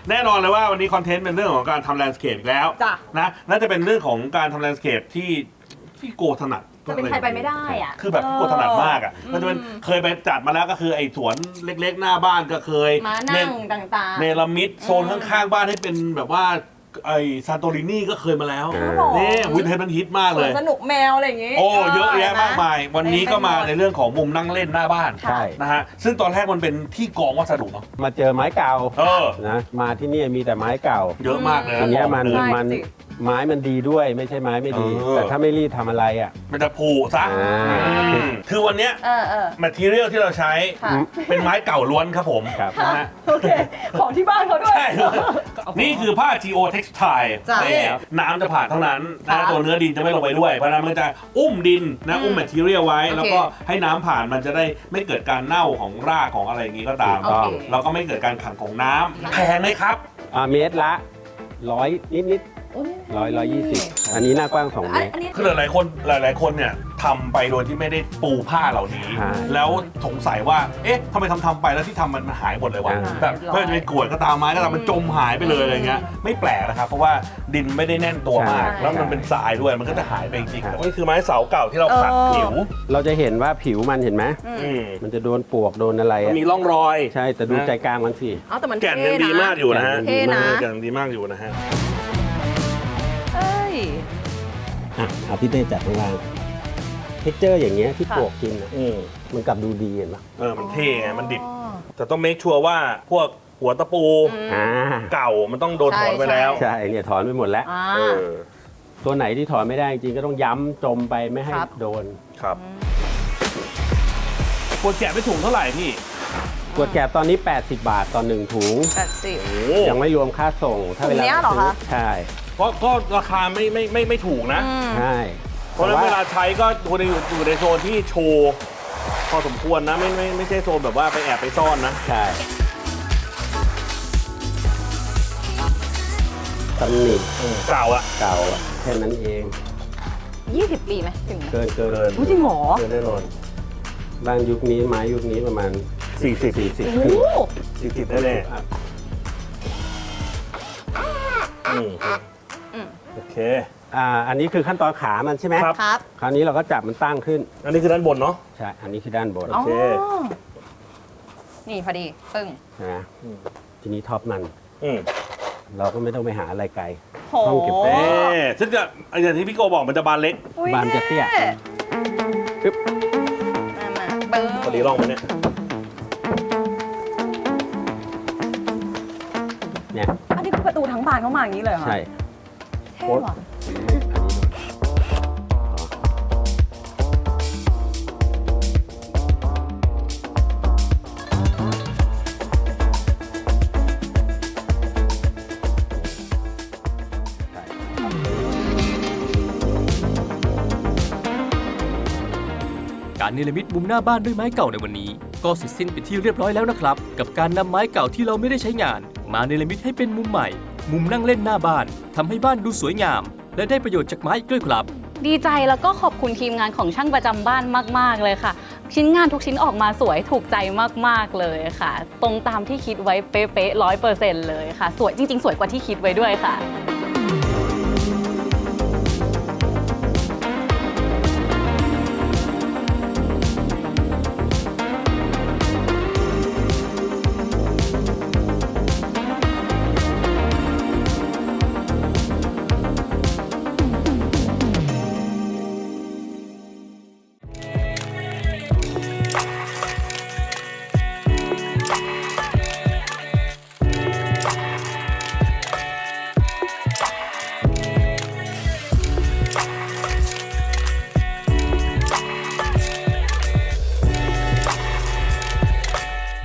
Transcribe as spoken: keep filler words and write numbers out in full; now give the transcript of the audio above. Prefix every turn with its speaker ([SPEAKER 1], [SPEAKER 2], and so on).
[SPEAKER 1] แน่นอนเลยว่าวันนี้คอนเทนต์เป็นเรื่องของการทำแลนด์สเคปแล้วนะน่าจะเป็นเรื่องของการทำแลนด์สเคปที่ที่โกถนัด
[SPEAKER 2] จะเป็นใครไปไม่ได้อ่ะ
[SPEAKER 1] คือแบบโกถนัดมากอ่ะมันจะเป็นเคยไปจัดมาแล้วก็คือไอ้สวนเล็กๆหน้าบ้านก็เคย
[SPEAKER 2] มานั่งต่างๆ
[SPEAKER 1] เนรมิตโซนข้างๆบ้านให้เป็นแบบว่าไอซานโตรินีก็เคยมาแล้วนี่วินเทจมันฮิตมากเลย
[SPEAKER 2] สนุกแมวอะไรอย่างงี้
[SPEAKER 1] โอ้เยอะแยะมากมายวันนี้ก็มาในเรื่องของมุมนั่งเล่นหน้าบ้านนะฮะซึ่งตอนแรกมันเป็นที่กองวัสดุเนาะ
[SPEAKER 3] มาเจอไม้เก่า
[SPEAKER 1] เออ
[SPEAKER 3] นะมาที่นี่มีแต่ไม้เก่า
[SPEAKER 1] เยอะมากเลย
[SPEAKER 3] ทีนี้มันมันไม้มันดีด้วยไม่ใช่ไม้ไม่ดีแต่ถ้าไม่รีบทำอะไรอ่ะ
[SPEAKER 1] มันจะผุซะคือวันนี้แมททีเรียลที่เราใช้เป็นไม้เก่าล้วนครับผมนะฮะ
[SPEAKER 2] โอเคของที่บ้านเขาด้วย
[SPEAKER 1] นี่คือผ้า จี โอ Textile น้ำจะผ่านเท่านั้นนะตัวเนื้อดินจะไม่ลงไปด้วยเพราะนั้นมันจะอุ้มดินนะอุ้มแมททีเรียลไว้แล้วก็ให้น้ำผ่านมันจะได้ไม่เกิดการเน่าของรากของอะไรอย่างนี้ก็ตามแล้วก็ไม่เกิดการขังของน้ำแพงไหมครับ
[SPEAKER 3] เมตรละร้อยนิดนิดร้อยร้อยยี่สิบอันนี้หน้ากว้างสองเมตร
[SPEAKER 1] คือหลายๆคนหลายๆคนเนี่ยทำไปโดยที่ไม่ได้ปูผ้าเหล่านี้แล้วสงสัยว่าเอ๊ะทำไมทำทำไปแล้วที่ทำมันหายหมดเลยวะแบบเพื่อจะเป็นกรวดก็ตามไม้ก็ตามมันจมหายไปเลยอะไรเงี้ยไม่แปลกนะครับเพราะว่าดินไม่ได้แน่นตัวมากแล้วมันเป็นทรายด้วยมันก็จะหายไปจริงๆนี่คือไม้เสาเก่าที่เราขัดผิว
[SPEAKER 3] เราจะเห็นว่าผิวมันเห็นไหมมันจะโดนปลวกโดนอะไร
[SPEAKER 1] มีร่องรอย
[SPEAKER 3] ใช่แต่ดูใจกลางมันสิ
[SPEAKER 1] แก่นยังดีมากอยู่นะฮะแก่นดีมากอยู่นะฮะ
[SPEAKER 3] อ่ะเอาพี่เต้จัดข้างล่างเท็กเจอร์อย่างเงี้ยที่ปลวกกินอ่ะมันกลับดูดีเห็นปะ
[SPEAKER 1] เออมันเท่ไงมันดิบแต่ต้องเมคชัวร์ว่าพวกหัวตะปูเก่ามันต้องโดนถอนไปแล้ว
[SPEAKER 3] ใช่เนี่ยถอนไปหมดแล้วตัวไหนที่ถอนไม่ได้จริงก็ต้องย้ำจมไปไม่ให้โดน
[SPEAKER 1] ครับขวดแกะไปถุงเท่าไหร่พี่
[SPEAKER 3] ขวดแกะตอนนี้แปดสิบบาทต่อหนึ่งถุง
[SPEAKER 2] แปดสิบ
[SPEAKER 3] ยังไม่รวมค่าส่ง
[SPEAKER 2] ถ้าเวลาซื้อ
[SPEAKER 3] ใช่
[SPEAKER 1] เพราะก็ราคาไม่ไม่ไม่ไม่ถูกนะ
[SPEAKER 3] ใช่
[SPEAKER 1] เพราะฉะนั้นเวลาใช้ก็ควรจะอยู่ในโซนที่โชว์พอสมควรนะไม่ไม่ไม่ใช่โซนแบบว่าไปแอบไปซ่อนนะ
[SPEAKER 3] ใช่ตำหนิ
[SPEAKER 1] เก่าอะ
[SPEAKER 3] เก่าแค่นั้นเอง
[SPEAKER 2] ยี่สิบปีไหมถึง
[SPEAKER 3] เกินเกิน
[SPEAKER 2] จริงหรอ
[SPEAKER 3] เกินแน่นอนบ้านยุคนี้ไม้ยุคนี้ประมาณ
[SPEAKER 1] สี่สิบ
[SPEAKER 3] สี่สิบ
[SPEAKER 1] สี่สิบแน่โอเค
[SPEAKER 3] อ่าอันนี้คือขั้นตอนขามันใช่ไหม
[SPEAKER 2] ครับ
[SPEAKER 3] คราวนี้เราก็จับมันตั้งขึ้น
[SPEAKER 1] อันนี้คือด้านบนเนาะ
[SPEAKER 3] ใช่อันนี้คือด้านบน
[SPEAKER 1] โอเค
[SPEAKER 2] นี่พอดีปึ้ง
[SPEAKER 3] นะทีนี้ท็อปมัน
[SPEAKER 1] อืม
[SPEAKER 3] เราก็ไม่ต้องไปหาอะไรไกล
[SPEAKER 2] ห้
[SPEAKER 3] องเก็บแป้
[SPEAKER 1] งซึ่งจะอย่างที่พี่โกบอกมันจะบานเล็ก
[SPEAKER 3] บานจะเตี้ยปึ๊บ
[SPEAKER 2] มาปึ๊บ
[SPEAKER 1] พอดีร่องมันเนี่ย
[SPEAKER 3] เนี่ย
[SPEAKER 2] อันนี้ประตูทั้งบานเข้ามาอย่างนี้เลยเหรอ
[SPEAKER 3] ใช่
[SPEAKER 2] เท่ว่ะ
[SPEAKER 4] การเนรมิตมุมหน้าบ้านด้วยไม้เก่าในวันนี้ก็เสร็จสิ้นไปที่เรียบร้อยแล้วนะครับกับการนำไม้เก่าที่เราไม่ได้ใช้งานมาเนรมิตให้เป็นมุมใหม่มุมนั่งเล่นหน้าบ้านทำให้บ้านดูสวยงามและได้ประโยชน์จากไม้ด้วยครับ
[SPEAKER 5] ดีใจแล้วก็ขอบคุณทีมงานของช่างประจำบ้านมากๆเลยค่ะชิ้นงานทุกชิ้นออกมาสวยถูกใจมากๆเลยค่ะตรงตามที่คิดไว้เป๊ะๆร้อยเปอร์เซ็นต์เลยค่ะสวยจริงๆสวยกว่าที่คิดไว้ด้วยค่ะ